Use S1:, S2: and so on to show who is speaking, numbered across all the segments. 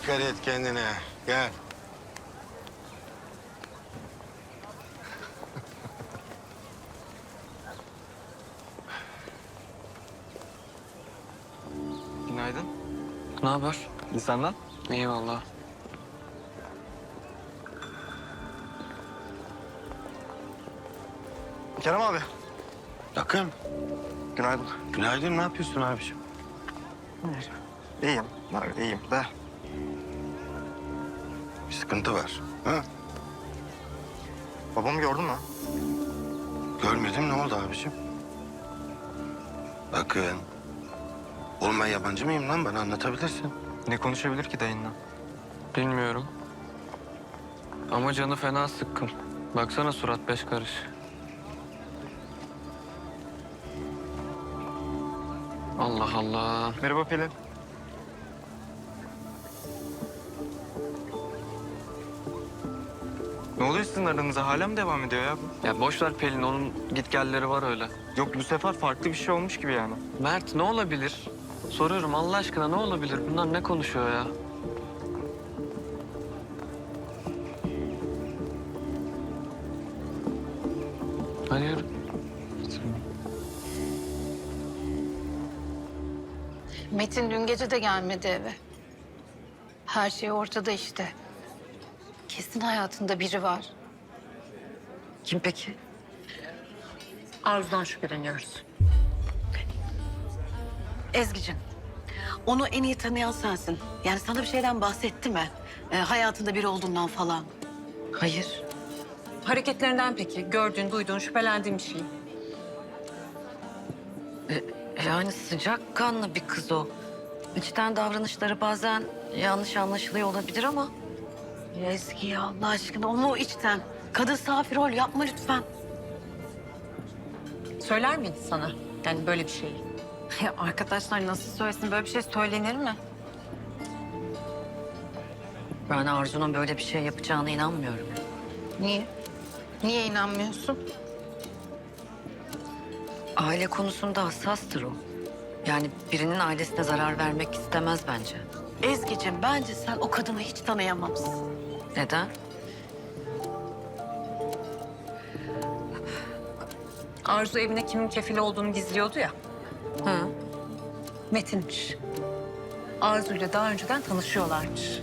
S1: Dikkat et kendine. Gel.
S2: Günaydın.
S3: Ne haber?
S2: İyi senden?
S3: Eyvallah.
S2: Kerem abi.
S1: Akın.
S2: Günaydın.
S1: Günaydın. Ne yapıyorsun abiciğim?
S2: İyiyim. Abi, iyiyim de.
S1: Bir sıkıntı var. Ha?
S2: Babamı gördün mü?
S1: Görmedim. Ne oldu abiciğim? Akın. Oğlum ben yabancı mıyım lan? Bana anlatabilirsin.
S2: Ne konuşabilir ki dayınla?
S3: Bilmiyorum. Ama canı fena sıkkın. Baksana surat beş karış. Allah Allah.
S2: Merhaba Pelin. Ne oluyor sizin aranıza? Hala mı devam ediyor ya bu?
S3: Ya boş ver Pelin, onun gitgelleri var öyle.
S2: Yok bu sefer farklı bir şey olmuş gibi yani.
S3: Mert, ne olabilir? Soruyorum Allah aşkına, ne olabilir? Bunlar ne konuşuyor ya? Hadi yürü.
S4: Metin dün gece de gelmedi eve. Her şey ortada işte. Kesin hayatında biri var.
S5: Kim peki? Arzu'dan şüpheleniyoruz.
S6: Ezgi'cim, onu en iyi tanıyan sensin. Yani sana bir şeyden bahsetti mi? Hayatında biri olduğundan falan.
S5: Hayır.
S7: Hareketlerinden peki? Gördüğün, duyduğun, şüphelendiğin bir şey.
S5: Yani sıcakkanlı bir kız o. İçten davranışları bazen yanlış anlaşılıyor olabilir ama...
S6: Ezgi ya Allah aşkına onu içten. Kadın safi rol yapma lütfen.
S7: Söyler miydi sana? Yani böyle bir şeyi.
S4: Ya arkadaşlar nasıl söylesin, böyle bir şey söylenir mi?
S5: Ben Arzu'nun böyle bir şey yapacağına inanmıyorum.
S4: Niye? Niye inanmıyorsun?
S5: Aile konusunda hassastır o. Yani birinin ailesine zarar vermek istemez bence.
S6: Ezgi'cim bence sen o kadını hiç tanıyamamışsın.
S5: Neden?
S7: Arzu evine kimin kefili olduğunu gizliyordu ya.
S5: Hı.
S7: Metin'miş. Arzu'yla daha önceden tanışıyorlarmış.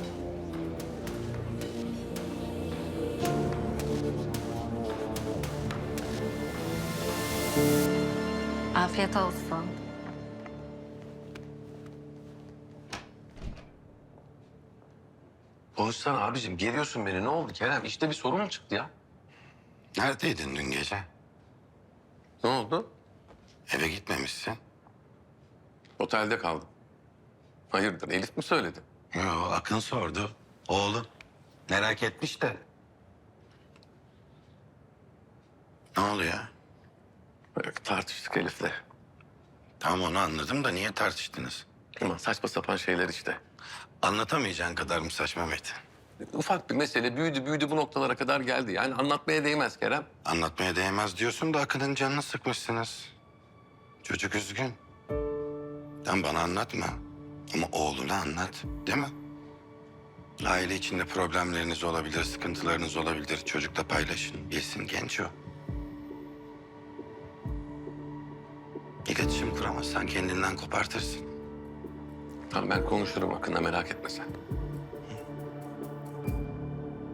S4: Afiyet olsun.
S8: Konuşsana abicim, geriyorsun beni. Ne oldu Kerem? İşte bir sorun mu çıktı ya?
S1: Neredeydin dün gece?
S8: Ne oldu?
S1: Eve gitmemişsin.
S8: Otelde kaldım. Hayırdır, Elif mi söyledi?
S1: Yo, Akın sordu. Oğlum. Merak etmiş de. Ne oluyor?
S8: Tartıştık Elif'le.
S1: Tamam onu anladım da niye tartıştınız?
S8: Aman saçma sapan şeyler işte.
S1: Anlatamayacağın kadar mı saçma Metin?
S8: Ufak bir mesele büyüdü bu noktalara kadar geldi. Yani anlatmaya değmez Kerem.
S1: Anlatmaya değmez diyorsun da Akın'ın canını sıkmışsınız. Çocuk üzgün. Sen bana anlatma. Ama oğluna anlat, değil mi? Aile içinde problemleriniz olabilir, sıkıntılarınız olabilir. Çocukla paylaşın, bilsin genç o. İletişim kuramazsan kendinden kopartırsın.
S8: Tamam ben konuşurum Akın'la, merak etme sen.